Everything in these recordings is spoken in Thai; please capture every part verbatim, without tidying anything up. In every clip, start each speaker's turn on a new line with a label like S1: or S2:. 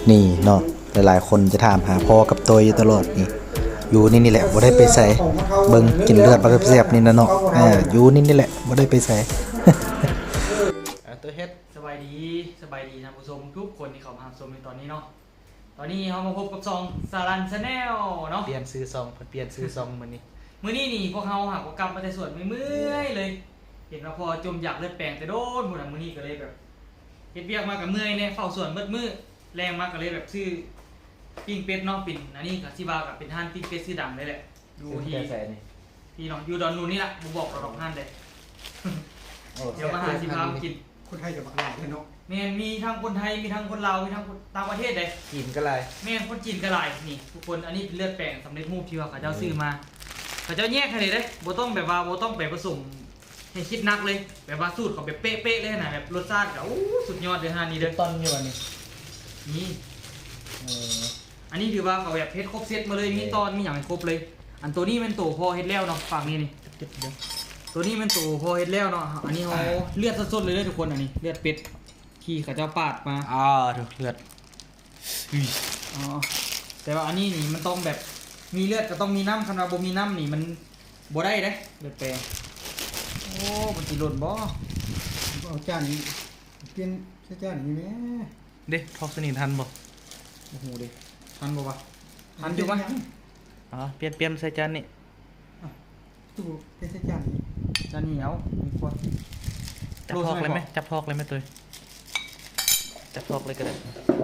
S1: นี่เนาะหลายๆคนจะถามหาพ่อกับตัวอยู่ตลอดนี่อยู่นี่นี่แหละบ่ได้ไปใส่เบิ่งกินเลือดบ่ได้ไปแซ่บนี่นะเนาะอ่าอยู่นี่นี่แหละบ่ได้ไปใส่อ่าตัวเฮ็ด
S2: สบายดีสบายดีท่านผู้ชมทุกคนที่เข้ามาชมในตอนนี้เนาะตอนนี้เรามาพบกับซองสารันชาแนลเนาะ
S1: เปลี่ยนซื้อซองเปลี่ยนซื้อซองมื้อนี้
S2: มื้อนี้นี่พวกเราหักกรรมมาแต่ส่วนไม่เมื่อยเลย เห็นว่าพอจมอยากเลือดแปลงแต่โดนหมดอ่ะมื้อนี้ก็เลยแบบเฮ็ดเวียกมากับเมื่อยเนี่ยเฝ้าส่วนมืดมืดแรงมากก็เลยแบบซื้อปิ้งเป็ดเนาะปิ่นอันนี้ก็ที่ว่ากับเป็นห้านปิ้งเป็ดชื่อดังเลยแหละดูที่
S1: ใส่นี่
S2: ที่เนาะอยู่ดอนนูนนี่แหละบ่บอกเราดอกห้านเลยเดี๋ยวมาหาสิพามากิน
S3: คนไทยกับบักหลายเลยเนาะ
S2: แม่นมีทั้งคนไทยมีทั้งคนลาวมีทั้งคนต่างประเทศเลย
S1: กินก็หลาย
S2: แม่นคนจีนก็หลายนี่ทุกคนอันนี้เป็นเลือดแปลงสำเร็จรูปที่ว่าเขาเจ้าซื้อมาเขาเจ้าแยกให้เลยเด้บ่ต้องแบบว่าบ่ต้องไปผสมให้คิดนักเลยแบบว่าสูตรเขาแบบเป๊ะๆเลยนะแบบรสชาติก็โอ้สุดยอดเลยฮะนี่เด้อ
S1: ตอนอยู่อันนี้
S2: นี่
S1: เออ
S2: อันนี้ถือว่าเขาแบบเพชรครบเซตมาเลยมีตอนมีอย่างให้ครบเลย อันตัวนี้เป็นตัวพอเฮ็ดแล้วเนาะฝั่งนี้นี่
S1: เจ็บเด้อ
S2: ตัวนี้เป็นตัวพอเฮ็ดแล้วเนาะอันนี้เขาเลือดสดๆเลยเด้อทุกคนอันนี้เลือดเป็ดที่เขาเจ้าปาดมา
S1: อ่าถูกเลือดอุ้ย
S2: อ๋อแต่ว่าอันนี้นี่มันต้องแบบมีเลือดก็ต้องมีน้ำคันว่าบ่มีน้ำนี่มันบ่ได้เด้เลือดแปลงโอ้มันสิหล่นบ่
S3: เอาจานนี้เปลี่ยนใช้จานนี้ไหม
S1: เด้ทอกสนิททันบ่
S2: โอ้โหเด้ทันบ่วะทันอยู่ปะ
S1: อ๋อเปลี่ยนเปลี่ยนใส่จานนี่
S3: ตู้เปลี่ยนใช้จานนี้
S2: จะเหนียวมีควร
S1: จับทอกเลยไหมจับทอกเลยไหมตัวจับทอกเลยก็ได้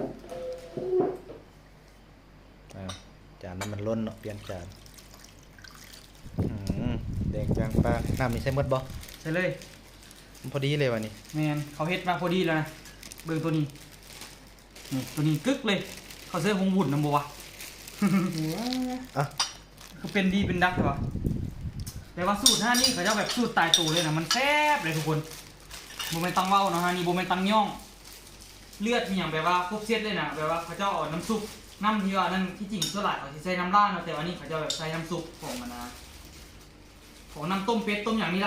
S1: อ่าจานนั้นมันล้นเนาะเปลี่ยนจานอืมแดงจางปลาน้ำนี่ใส่หมดบ่
S2: ใช่เลย
S1: มันพอดีเลยวันนี้
S2: แมนเขาเฮ็ดมาพอดีแล้วนะเบิ่งตัวนี้นี่ตัวนี้กึกเลย เขาเสื้อหงหุ่นนำบ่วะ
S1: อ่ะ
S2: คือเป็นดีเป็นดักใช่ปะแต่ว่าสูตรห้านี่เขาจะแบบสูตรตายตัวเลยนะมันแซ่บเลยทุกคนโบเมนตังเว้าเนาะฮะนี่โบเมนตังย่อง เลือดมีอย่างแบบว่าครบเซตเลยนะแบบว่าเขาเจ้าเอาน้ำซุปน้ำที่ว่านั่นที่จริงส่วนหลายเขาจะใช้น้ำราดเนาะแต่ว่านี่เขาจะแบบใช้น้ำซุปของมันนะของน้ำต้มเป็ดต้มอย่างนี้ละ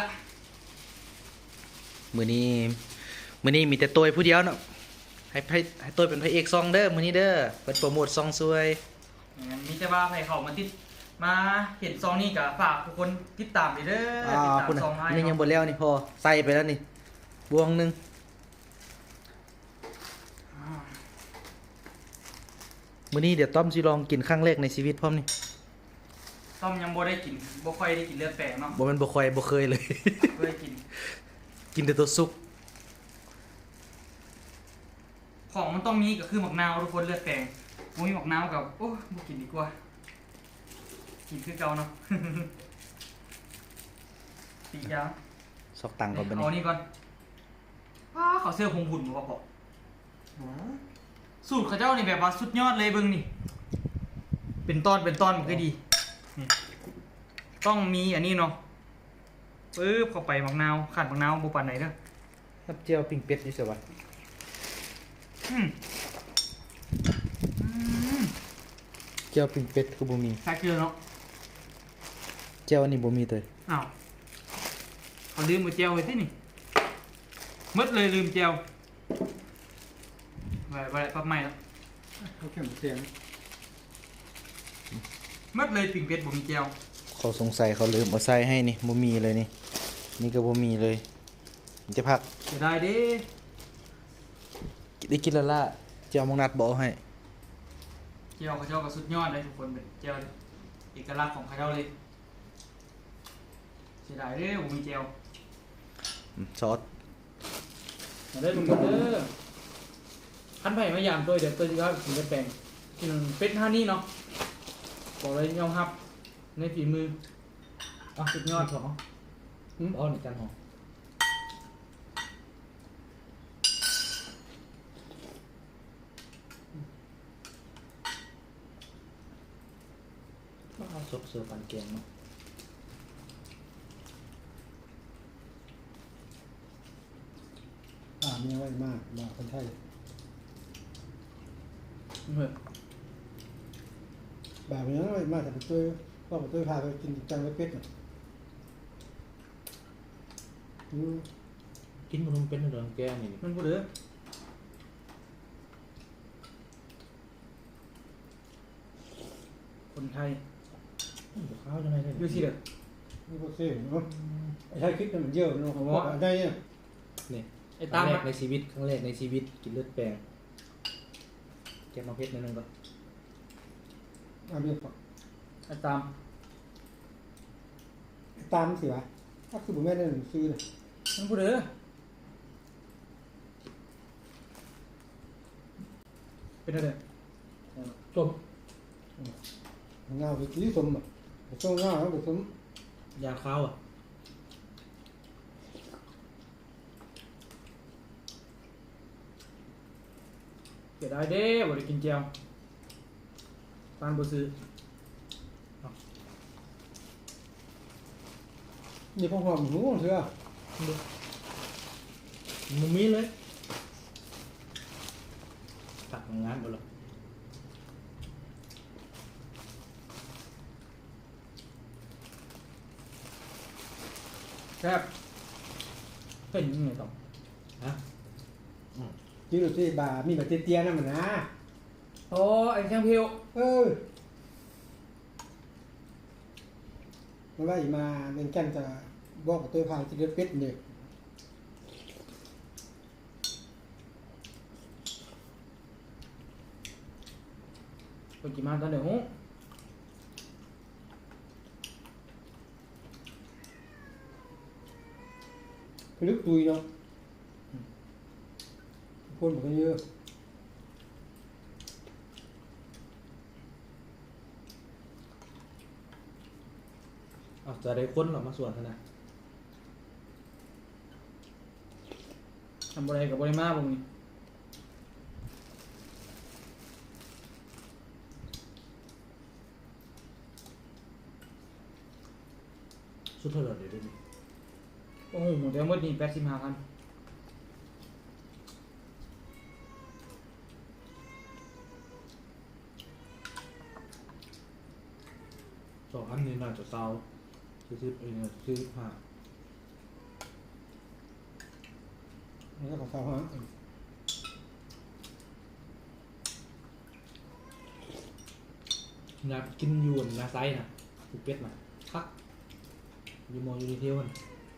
S1: มื้อนี้มื้อนี้มีแต่ตัวผู้เดียวเนาะให้ให้ให้ตัวเป็นพระเอกซองเด้อมื้อนี้เด้อเปิดโปรโมทซองซวย
S2: อย่างนี้แต่ว่าใครเขามาติดมาเห็นซองนี่กับฝากทุกคนติดตามไปเด้อ
S1: อ่า
S2: ติดตาม
S1: คุณ
S2: ซองให้
S1: นี่ยัง
S2: เนาะ
S1: บ่แล้วนี่พอใส่ไปแล้วนี่บวงหนึงมื้อนี้เดี๋ยวต้อมสิลองกินครั้งแรกในชีวิตพร้อมนี่
S2: ต้มยังบ่ได้กินบ่ค่อยได้กินเลือดแปลงเนาะ
S1: บ่แม่นบ่ค่อยบ่เคยเลย
S2: เคยกิน
S1: กินแต่ตัวสุก
S2: ของมันต้องมีก็คือหมักนาวทุกคนเลือดแปลงบ่มีหมักนาวกับโอ้บ่กินดีกว่ากินคือเก่าเนาะ ปีกยาว
S1: ซอกตังก่อนบัด
S2: เอา
S1: นี้
S2: นี่ก่อนว้าเขาเสื้อพงหุ่นมาบอกสูตรเขาเจ้านี่แบบว่าสุดยอดเลยเบิ่งนี่ เป็นตอนเป็นตอนมันก็ดีนี่ต้องมีอันนี้เนาะปึ๊บเข้าไปหมักนาวขาดหมักนาวบ่ปานไหนเด้อ
S1: น้ำเจียวปิ้งเป็ดอยู่ไสวะ
S2: อืมอืม
S1: เจียวปิ้งเป็ดคือบ่มี
S2: แค่เกลือเนาะ
S1: เจียวอันนี้บ่มีเลย
S2: อ้าวเขาลืมมาเจียวไว้ที่นี่หมดเลยลืมเจียวไว้ไว้ปั๊บใหม่แล้ว
S3: เขาแค่เสียง
S2: หมดเลยปิ่งเป็ดบ่มีเจียว
S1: เขาสงสัยเขาลืมเอาใส่ให้นี่บ่มีเลยนี่นี่ก็บ่มีเลยมันจะพัก
S2: เสียดายเด้
S1: ได้กินและล่ะเจียวมงนัดบ่เอาให้
S2: เจียวเขาเจ้าก็สุดยอดเลยทุกคนเป็นเจียวเอกลักษณ์ของเขาเจ้าเลยเสียดายเด้บ่มีเจียว
S1: อืมซอส
S2: มาเด้อทุกคนเด้อขั้นไผ่มายามตัวเดี๋ยวตัวที่เขาถึงจะแปลงกินเป็ดท่านี่เนาะบอกเลยยอมรับในฝีมืออ่ะสุดยอดของอ๋อนี่กันหอม
S1: เอาซุปเสือปันแกงเนาะ
S3: อ่ามีไว้มากมาคนไทย
S2: เฮ้ย
S3: แบบนี้ไว้มากแต่ไปตัวพ่อไปตัวพาไปกินจังไว้เป็ดน่ะอืม
S1: กินมันเป็นเรื่องแกงนี่
S2: มันบ่เด้อมไทย
S1: ข้าวยังไงได้
S2: อยู่ที่เด้อ
S3: นี่ก็เสียเนาะไอ้ใช้คลิปมันเยอะเนาะเพราะว่าได้เนี่ย
S1: นี่
S2: ไอ้
S1: ค
S2: ตา
S1: รั้
S2: ม
S1: งแรกในชีวิตครั้งแรกในชีวิตกินเลือดแปลงเก็บมาเพชรนิดนึงก่อน
S3: เอาเรียกก่อน
S2: ไอ้ตาม
S3: ตามสิวะถ้าคือผมแม่ได้หนังสือเลย
S2: นั่นพูดเด้อเป็นอะไร
S1: จบ
S3: เงาคือที่สมอ่ะช่วงเงาแล้วก็สม
S1: ยาข้าวอ่ะ
S2: เสียดายเด้บ่ได้กินเจียวปานบ่ซื้อ
S3: นี่พอหอมหูเถอะ
S1: มุมนี้เลยตัดงานหมดเลย
S2: แซ่บเป็นยังไงต่อ
S1: ฮะ
S3: จีรุสิบามีแบบเตี้ยๆนั่นมันนะ
S2: โอ้ไอ้แข้งเพียว
S3: เออเมื่อว่าอีมาเล่นแก่นจะบอกกับตัวพายจะเดือดเป็ดเนี่ย
S2: คนกี่มาตอนเดี๋ยวหู
S3: คือลึกตุยเนาะคนบอกกันเยอะ
S1: อ๋อจะได้ค้นหรอมาส่วนเท่านั้น
S2: ทำอะไรกับบริมาบ่นี่
S1: สุดเท่าไหร่เดี๋ยวดูนี่
S2: โอ้โหหมดแล้วหมดนี่แปดสิบห้าพัน
S1: สองอันนี้น่าจะเศร้าซื้อซื้อเองซื้อผ้า
S3: แล้วก็สาวฮะ
S1: อยากกินยูนนาไซน่ะภูเก็ตน่ะคักยูโมยูนิเทลมัน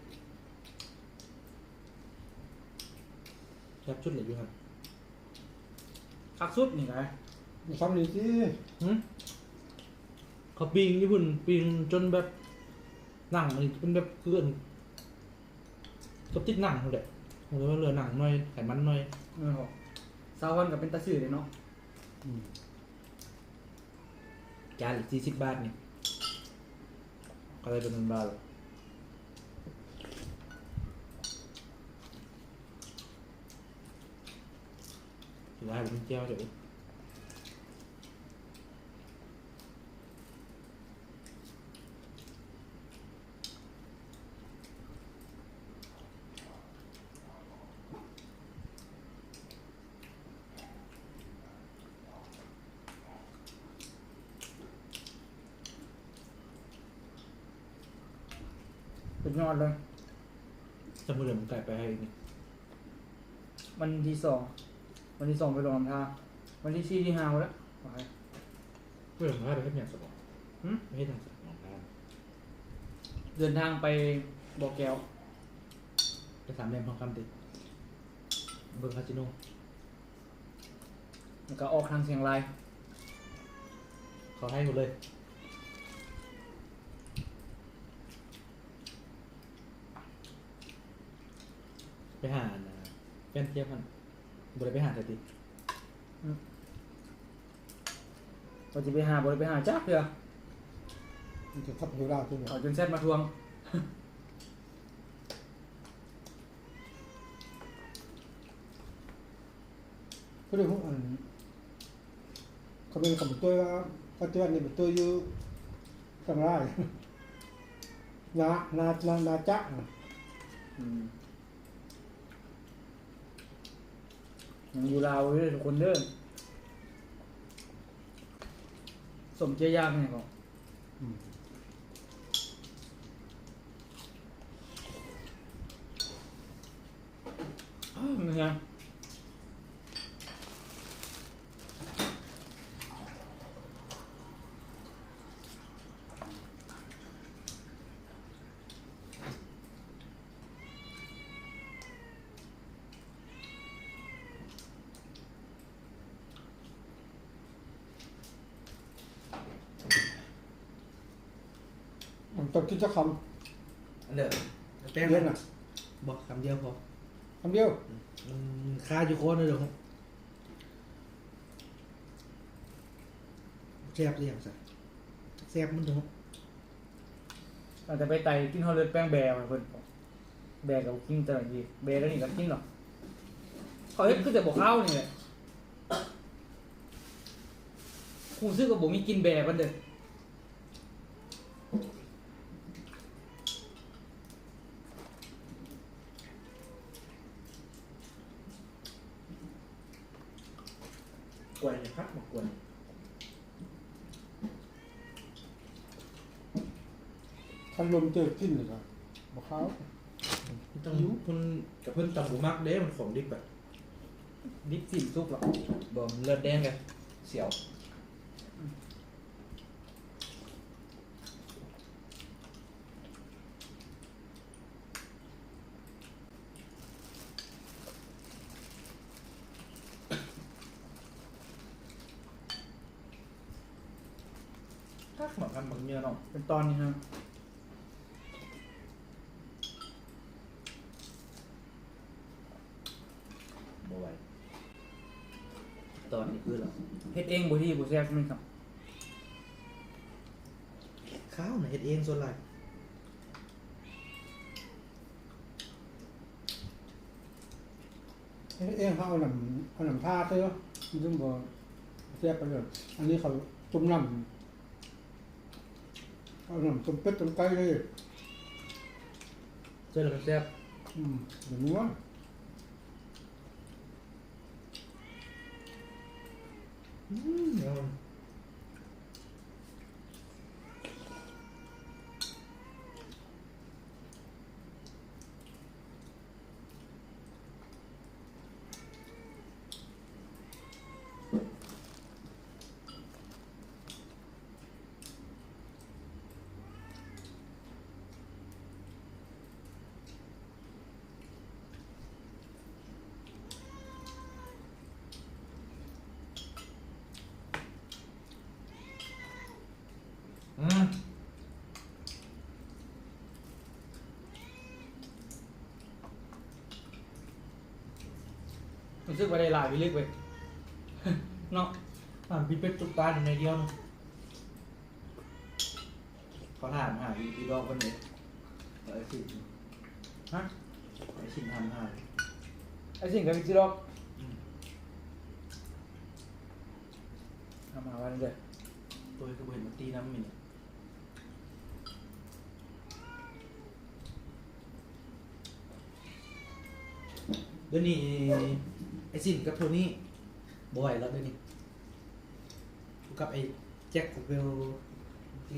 S1: แคบชุดเหลืออยู่ครับ
S2: คักสุดนี่ไง
S3: มีซ้ำนี่สิ
S1: หืมเขาปิงญี่ปุ่นปิงจนแบบหนังมันเป็นแบบเกลื่อนกับติดหนังเลยผมเลยว่าเหลือหนังหน่อยไขมันหน่อย
S2: เออสาววันกับเป็นตาซื่อเลยเนาะ
S1: จานสี่สิบบาทนี่ก็เลยเป็นเงินบาทเลยถือว่าผมเจ้าเดี๋ยว
S2: เป็นยอดเลย
S1: จะมือเดิมไก่ไปให้อีกนี่
S2: วันที่สองวันที่สองไปลงลำธารวันที่สี่ที่ห้าแล้วโอเค
S1: เพื่อนผมให้ไปให้เนี่ยสมอง
S2: หืม
S1: ไม่ให้ทางสมองทาง
S2: เดินทางไปบ่อแก้ว
S1: ไปสามเหลี่ยมทองคำติเบอร์คาสิโน
S2: แล้วก็ออกทางเชียงราย
S1: เขาให้หมดเลยไปหาอันนะแฟนเทียบมันบริไปหาแต่ติ
S2: เราจะไปหาบ่ได้ไปหาจักเพื่อ
S3: มันจะทับหัวเราตัวเนี่ย
S2: เอาจนแซดมาทวง
S3: ก็เลยพวกอันเขาเป็นกับตัวว่าปัจจุบันนี่เป็นตัวอยู่ข้างล่างนานานานาจัก
S2: อืมยังอยู่ลาวเด้อทุกคนเด้อสมเจียยากเนี่ยก็เหนื่อย
S3: ต้องกินจะค
S1: อันเด้อแป้ง
S3: ำเย็นอ่ะ
S1: บอกคำเดียวพอ
S3: คำเดียว
S1: มันคาอยู่โคนเลยเด้อครับแซ่บหรือยังซะแซ่บมันเด้อ
S2: อาจจะไปไต่กินข้าวเลือดแป้งแบร์มาเพิ่นแบร์กับกินแต่ละทีแบร์แล้วนี่ก็กินหรอกเขาเฮ็ดคือแต่บอกข้าวนี่แหละคงซื้อกับบ่มีกินแบร์มันเด้อ
S1: กวนพัดมากวน
S3: คันลมเจอกินเลยครับบอกเขา
S1: ต้องเพิ่นกับเพิ่นตำบุมักเด้มันของดิบแบบ
S2: ดิบสิซุปหรอก
S1: บ่มเลือดแดงกันเสียว
S2: ถ้าหมักกันหมักเนื้อเนาะเป็นตอนนี้ฮะ
S1: บ่ไหวตอนนี้คือเหรอ
S2: เฮ็ดเองบ่ที่บ่แซ่บแม่นครับ
S1: ข้าวน่ะเฮ็ดเองส่วนหลาย
S3: เอ๊ะเองเขาเอาหนำเอาหนำท่าเต้อมันต้องบอกแซ่บไปเลยอันนี้เขาต้มน้ำเอาหนำต้มเป็ดต้มไก่เลย
S1: เจ้าแล้วมันแซ่บ
S3: อืมเดี๋ยวนี้ว่า
S1: อืมเอา อืม
S2: รู้สึกว่าได้หลายไปลึกเว้ย เนาะ
S1: ถามพี่เป็ดตุ๊กตาอยู่ในเดียวนึงเขาถามหาอีอีดอกคนไหนไอ้สิ
S2: ฮะ
S1: ไอ้สิทำหา
S2: ไอ้สิ่งกับวิจิรอกทำมาวันเด้อ
S1: ตัวก็เห็นมันตีน้ำมินเดี๋ยวนี้ไอ้สินกับโทนี่บ่อยแล้วเดี๋ยวนี้กับไอ้แจ็คกับเวลเจ๊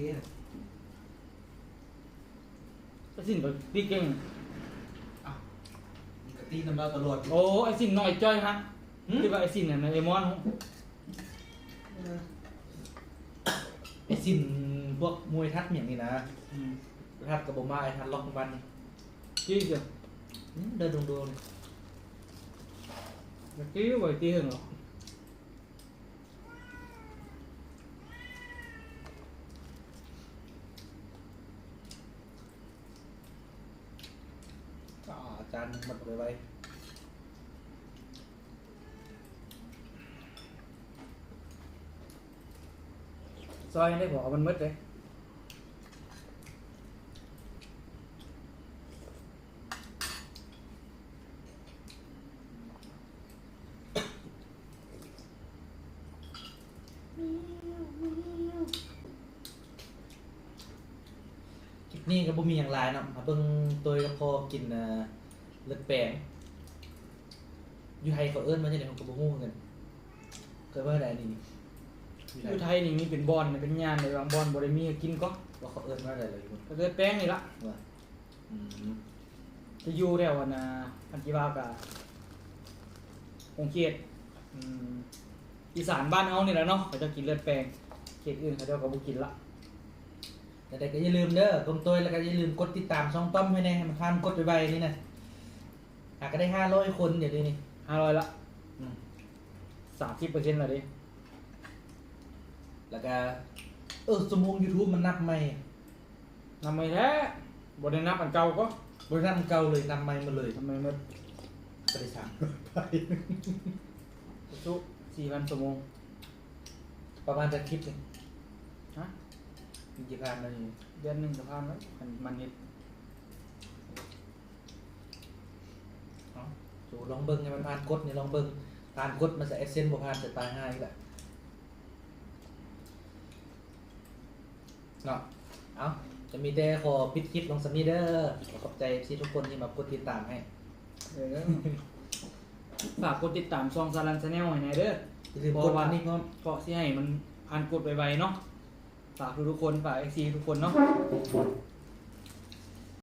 S2: ไอ้สิ่งกับตีเก่ง
S1: อ้าวมันก็ตีน้ำเราตลอด
S2: โอ้ไอ้สิ่งน้อยจ้อยฮะที่ว่าไอ้สิ่งน่ะในไอ้มอน
S1: ไอ้สินพวกมวยทัดอย่างนี้นะ
S2: อืม
S1: ทัดกับบมาไอ้ทัดล็อกวันนี่
S2: จี้เดียว
S1: อืมเดินโดน
S2: เมื่อกี้บ่อยตีหึงหรอก
S1: ๆก็อาจารย์หมดไปไว้
S2: ซอยได้บอกว่ามันมืดเลย
S1: คลิปนี้ก็บ่มีอย่างไรเนาะมาเบิ่งตัวกับพอกินเอ่อเลือดแปลงอยู่ไทยเขาเอิ้นมาจังได๋ผมก็บ่ฮู้เหมือนกันเคยว่าได้นี่อยู่ไท
S2: อย ยู่ไทยนี่มีเป็นบอลเนี่ยเป็นงานในบางบอลบ่ได้มีให้กินก็
S1: ว่าเขาเอิ้นว่าได้เลยคุณ
S2: ก็เลยแป้งนี่ละ
S1: ว่าอืม
S2: จะอยู่แล้วอะนะอันที่ว่ากะคงเขตอืมอีสานบ้านเฮานี่แหละเนาะเขาจะกินเลือดแปลงเขตอื่นเขาเจ้าก็บ่กินละ
S1: แต่ใดก็อย่าลืมเด้อกลมตัวแล้วก็อย่าลืมกดติดตามช่องต้อมให้แน่ให้มันทานกดไว้ๆนี่นะหากก็ได้ห้าร้อยคนเดี๋ยวนี้นี่
S2: ห้าร้อยละ
S1: อืม
S2: สามสิบเปอร์เซ็นต์ละดิ
S1: แล้วก็เออสมมุติ YouTube มันนับใหม่
S2: นำไม่แท้บได้นับอันเก่าก็
S1: บริษัทเก่าเลยนำไม้มาเลย
S2: ทำไมมัน
S1: บริษัท
S2: สุสี่พันชั่วโมง
S1: ประมาณจะคลิปหนึง
S2: ฮะ
S1: กี่พันนาที
S2: เดือนหนึ่งจะพันแล้วมันมันเน็ต
S1: เอาสูลองเบิ้งให้มันผ่านกดนี่ลองเบิ้งผ่านกดมันจะเอเซนบ่ผ่านจะตายห้าอีกแหละเนาะเอาจะมีแต่ขอปิดคลิปลงสักนิดเด้อขอขอบใจที่ทุกคนที่มากดติดตามให้
S2: เออฝากกดติดตามซองซาลันชาแนลให้หน่อยเด้อ
S1: อย่าลืมกดอันนี้ก็
S2: ก็สิให้มันผ่านกดไวๆเนาะฝากทุกๆคนฝากเอ็กซีทุกคนเนาะ